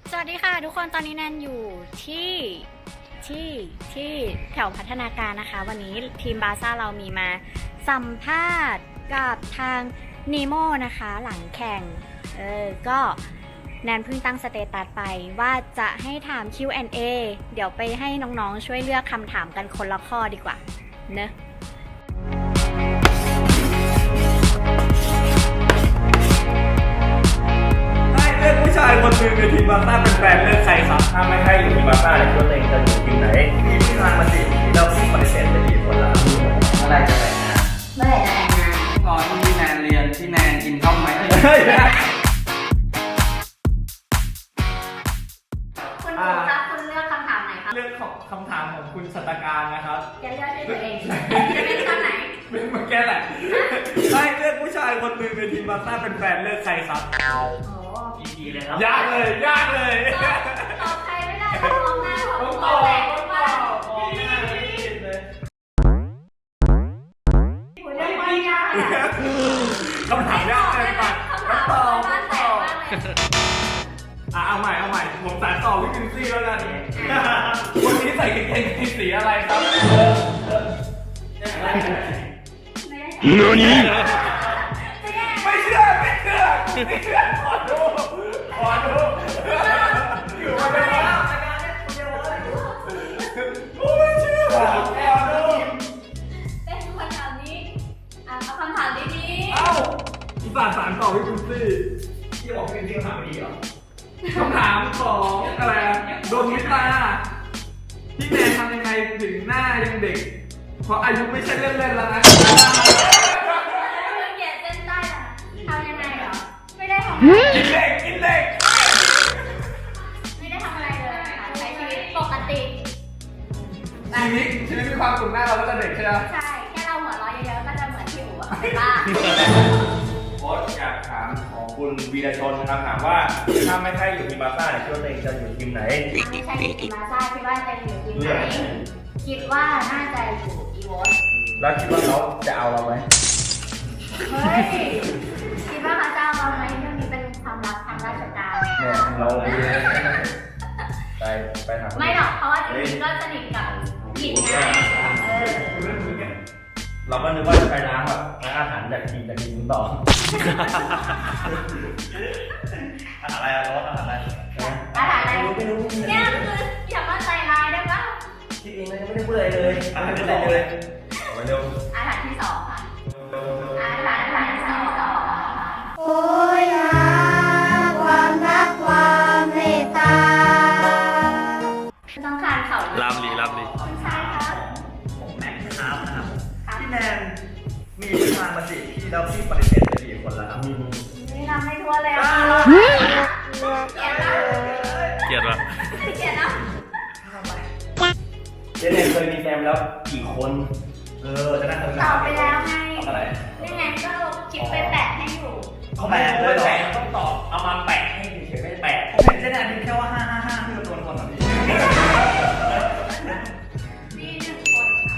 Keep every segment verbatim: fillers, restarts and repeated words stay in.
สวัสดีค่ะทุกคนตอนนี้แนนอยู่ที่ที่ที่แถวพัฒนาการนะคะวันนี้ทีมบาซ่าเรามีมาสัมภาษณ์กับทางนีโมนะคะหลังแข่งเออก็แนนเพิ่งตั้งสเตตัสไปว่าจะให้ถาม คิว แอนด์ เอ เดี๋ยวไปให้น้องๆช่วยเลือกคำถามกันคนละข้อดีกว่าเนอะเลือกผู้ชายคนหนึ่งในทีมบาซ่าเป็นแฟนเลือกใครครับถ้าไม่ให้อยู่ทีมบาซ่าเนี่ยคิดว่าตัวเองจะอยู่ทีมไหนมีผู้ชายมาจีบเราที่ปฏิเสธไปกี่คนแล้วเมื่อไรจะแต่งงานเมื่อไหร่จะแต่งงานตอนที่แนนเรียนที่แนนกินข้าวไหมเฮ้ยคุณครูครับคุณเลือกคำถามไหนครับเลือกของคำถามของคุณสัตการนะครับจะเลือกด้วยตัวเองจะเป็นคำไหนเป็นมาแค่แหละให้เลือกผู้ชายคนหนึ่งในทีมบาซ่าเป็นแฟนเลือกใครครับโอ้ดีเลยครับยากเลยยากเลยตอบใครไม่ได้ต้องมองหน้าเขาต้องตตออบบแหลกต้องตว่าอบมองหน้าไม่ผิดเลยคุณเลือกว่ายากอะคำถามยากเกินไปคำถามตอบบ้านแตตกอบมากเลยอ่ะเอาใหม่เอาใหม่ผมสายต่อพี่พินซี่แล้วกันวันนี้ใส่กางเกงในสีอะไรครับไม่ได้นี่ไม่เชื่อไม่เชื่อไม่เชื่อขอดูขอดูอยู่มาเป็นแล้วกูไม่เชื่อขอดูเป็นคำถามนี้อ่ะเอาคำถามดีเอ้าอีสานสารต่อพี่พินซี่ที่บอกเป็นที่คำถามดีเหรอคำถามของอะไรโดนมิตาพี่แมนทำยังไงถึงหน้ายังเด็กเพราะอายุไม่ใช่เล่นๆแล้วนะๆเหยียดเส้นใต้อะทำยังไงเหรอ ไม่ได้ทำอะไรกินเด็กกินเด็กไม่ได้ทำอะไรเลยค่ะใช้ชีวิตปกติชีวิตชีวิตมีความสุขหน้าเราก็จะเด็กใช่ไหมใช่ แค่เราหัวเราะเยอะๆก็จะเหมือนที่หูอะเป็นบ้าโค้ชอยากถามของคุณวีรชนนะครับถามว่าถ้าไม่ให้อยู่ทีมบาซ่าเนี่ยคิดว่าตัวเองจะอยู่ทีมไหนไม่ใช่ทีมบาซ่าคิดว่าจะอยู่ทีมไหนคิดว่าน่าจะอยู่อีโวสแล้วคิดว่าเขาจะเอาเราไหมเฮ้ย คิดว่าเขาจะเอาเราไหมเรื่องนี้เป็นความลับทางราชการเนี่ยเราไปไปถามไม่หรอก เพราะว่าจริงๆก็สนิทกับหญิงไงเออเราก็นึกว่าจะไปล้างแบบล้างอาหารจากทีมจากทีมต่ออาหารอะไรอะรสอาหารอะไรอาหารอะไรไม่รู้ไม่รู้เนี่ยคืออย่ามาใส่ลายได้ปะคิดเองเลยไม่ได้พูดอะไรเลยอาหารที่สองเลยมาเร็วอาหารที่สองค่ะอาหารอาหารที่สองโอ้ยหาความรักความเมตตาต้องการเขาลามลีลามลีคุณชายครับผมแม็กซ์ครับนะครับพี่แนนมีผู้ชายมาจีบพี่แล้วพี่ปฏิเสธไปกี่คนแล้วครับนี่ทำให้ทั่วเลยอ่ะเกลียดนะเกลียดปะเกลียดนะเจเนนเคยมีแฟนแล้วกี่คน เออจะน่าสนใจตอบไปแล้วไงตอบอะไรนี่ไงก็ลงคลิปไปแปะให้อยู่เขาแปะเลยแปะต้องตอบเอามาแปะให้เฉยๆไม่ได้แปะผมเห็นเจเนนพิมพ์แค่ว่าห้าห้าห้าที่เราโดนคนแบบนี้นี่หนึ่งคนค่ะ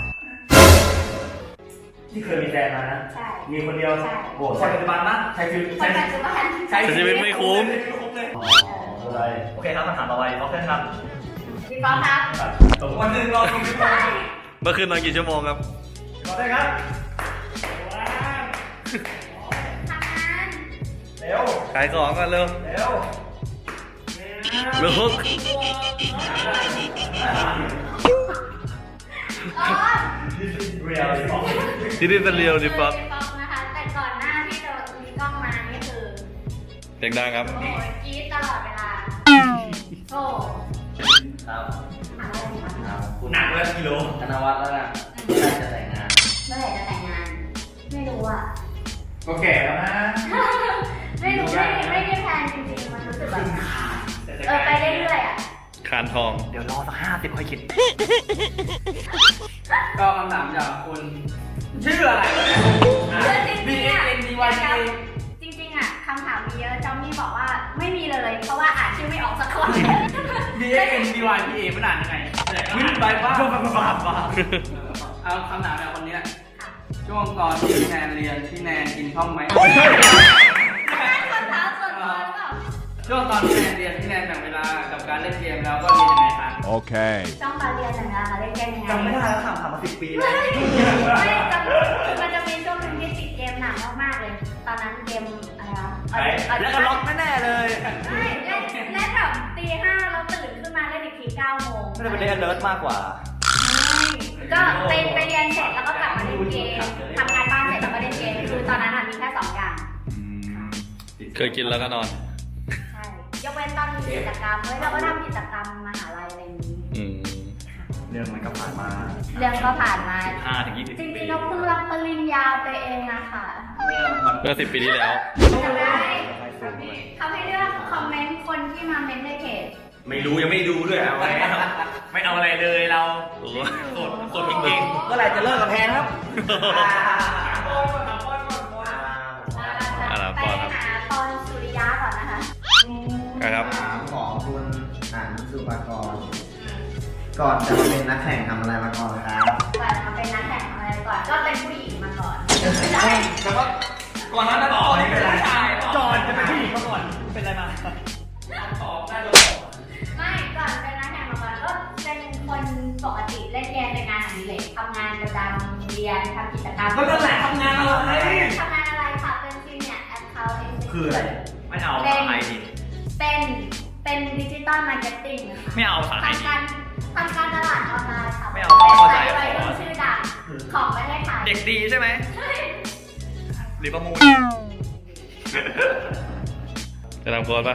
ที่เคยมีแฟนมานะใช่มีคนเดียวใช่โอ้ใช่ปัจจุบันนะใช่คือคนใช่ปัจจุบันใช่ชีวิตไม่คุ้มอ๋ออะไรโอเคครับคำถามต่อไปโอเคครับพี่ป๊อปครับวันหนึ่งรอคุณพี่บอลเมื่อคืนนอนกี่ชั่วโมงครับรอได้ครับทำงานเร็วขายของกันเร็วเร็วลูกอ๋อเรียลเลยบอกที่นี่เป็นเรียวดิป๊อปพี่ป๊อปนะคะ แต่ก่อนหน้าที่จะมีกล้องมานี่คือเสียงดังครับโอ้ยกรี๊ดตลอดเวลา โอ้ครับถามอะไรดีคะหนักเลยกิโลธนวัฒน์แล้วนะเมื่อไหร่จะแต่งงานเมื่อไหร่จะแต่งงาน ไม่รู้อ่ะก็แก่แล้วนะไม่รู้ไม่ไม่ได้แพลนจริงๆ มันรู้สึกแบบเออไปเรื่อยๆอ่ะคานทองเดี๋ยวรอสักห้าสิบค่อยคิดก็คำถามจากคุณชื่ออะไรวะเนี่ยคือจริงๆอ่ะ B X N D Y P A จริงๆอ่ะคำถามมีเยอะจอมมี่บอกว่าไม่มีเลย เพราะว่าอ่านชื่อไม่ออกสักคน B X N D Y P A มันอ่านยังไงขึ้นไปบ้าบ้าบ้าเอาคำถามจากคนนี้ ช่วงตอนที่แนนเรียนที่แนนกินข้าวไหมคำถามส่วนตัวหรือเปล่าช่วงตอนที่แนนเรียนที่แนนแบ่งเวลาล่นเกมแล้วก็เรียนยังไงคะ Okay. ต้องมาเรียนหน่อยนะคะเล่นเกมยังไงจำไม่ได้แล้วค่ะผ่านมาสิบปีแล้วไม่จำคือมันจะมีช่วงหนึงที่ติดเกมหนักมากๆเลย ตอนนั้นเกมอะไรวะแล้วก็ล็อกแน่ๆเลยไม่เล่นเล่นแบบตีห้าเราตื่นขึ้นมาเล่นอีกทีเก้าโมงไม่ได้เป็นเล่น alert มากกว่าก็ไปไปเรียนเสร็จแล้วก็กลับมาเล่นเกมทำงานบ้านเสร็จแล้วก็เล่นเกมคือตอนนั้นอะมีแค่สองอย่างเคยกินแล้วก็นอนใช่ยกเว้นตอนมีกิจกรรมเฮ้ยเราก็ทำกิจกรรมมหาลัยอะไรอย่างนี้อืมเรื่องมันก็ผ่านมาเรื่องก็ผ่านมาห้าถึงยี่สิบจริปีงๆเราเพิ่งรับปริญญาไปเองอะค่ะเมื่อสิบปีที่แล้วจำได้เขาให้เลือกคอมเมนต์คนที่มาเมนต์ในเพจไม่รู้ยังไม่ดูด้วยเอาไว้ไม่เอาอะไรเลยเราโอ้โสดโสดจริงๆเมื่อไหร่จะเลิกกับแพนครับอะไรไปก่อนครับหาปอนสุริยะก่อนนะคะนะครับถามของคุณอันสุภากรก่อนจะมาเป็นนักแข่งทำอะไรมาก่อนครับก่อนมาเป็นนักแข่งอะไรก่อนก็เป็นผู้หญิงมาก่อนไม่ใช่แต่ว่าก่อนหน้านั้นต่อนี่เป็นผู้ชายจอนจะเป็นผู้หญิงมาก่อนเป็นอะไรมาตอบได้เลยไม่ก่อนเป็นนักแข่งมาก่อนก็เป็นคนปกติเล่นเกมเป็นงานอดิเรกทำงานประจำเรียนทำกิจกรรมก็นั่นแหละทำงานอะไรทำงานอะไรค่ะเป็นซีเนียร์แอคเคาท์เอ็กซ์คืออะไรไม่เอาเป็นไอดีเป็นเป็นดิจิตอลมาร์เก็ตติ้งนะคะไม่เอาภาษาไทยทำการทำการตลาดออนไลน์ค่ะไม่เอาเข้าใจเป็นไซต์วัยรุ่นชื่อดังของประเทศไทยเด็กดีใช่ไหมใช่หรือประมูลจะทำโค้ดปะ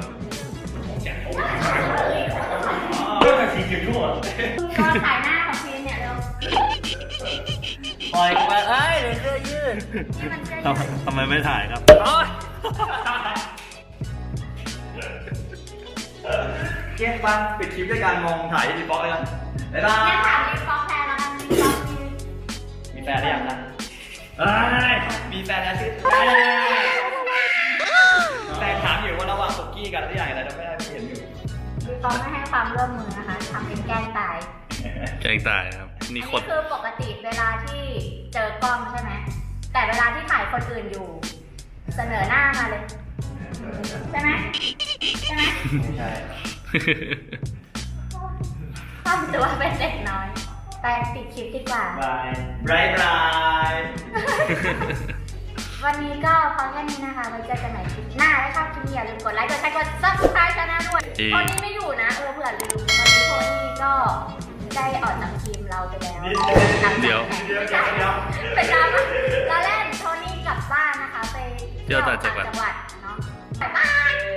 เรื่องสีผิวทั่วก็ถ่ายหน้าของพีนเนี่ยเร็วปล่อยไปเอ้ยเดี๋ยวเสื้อยืดนี่มันจะทำไมทำไมไม่ถ่ายครับเกียร์บ้างปิดคลิปด้วยการมองถ่ายที่ดีฟอลต์เลยกันบ๊ายบางั้นถามยรีฟองแทนแล้วกันรีฟองมีมีแฟนหรือยังนะเอ้ยมีแฟนแล้วสิแฟนถามอยู่ว่าระหว่างสุกี้กับที่อย่างไรจะไม่ได้ไม่เห็นอยู่รีฟองไม่ให้ความร่วมมือนะคะทำเป็นแกล้งตายแกงตายครับอันนี่นี้คนคือปกติเวลาที่เจอกล้องใช่ไหมแต่เวลาที่ถ่ายคนอื่นอยู่ เสนอหน้ามาเลย ใช่ไหมใช่ไหมไม่ใช่ทำตัวเป็นเด็กน้อยไปปิดคลิปดีกว่าบายบายบายวันนี้ก็พอแค่นี้นะคะไว้เจอกันใหม่คลิปหน้าถ้าชอบคลิปนี้อย่าลืมกดไลค์กดแชร์กด ซับสไครบ์ ช่องด้วยจริงโทนี่ไม่อยู่นะเออเผื่อลืมวันนี้โทนี่ก็ได้ออกจากทีมเราไปแล้วหลังจากเดี๋ยวแข่งไม่ใช่ไปตามตอนแรกโทนี่กลับบ้านนะคะไปเที่ยวต่างจังหวัดเนาะบ๊ายบาย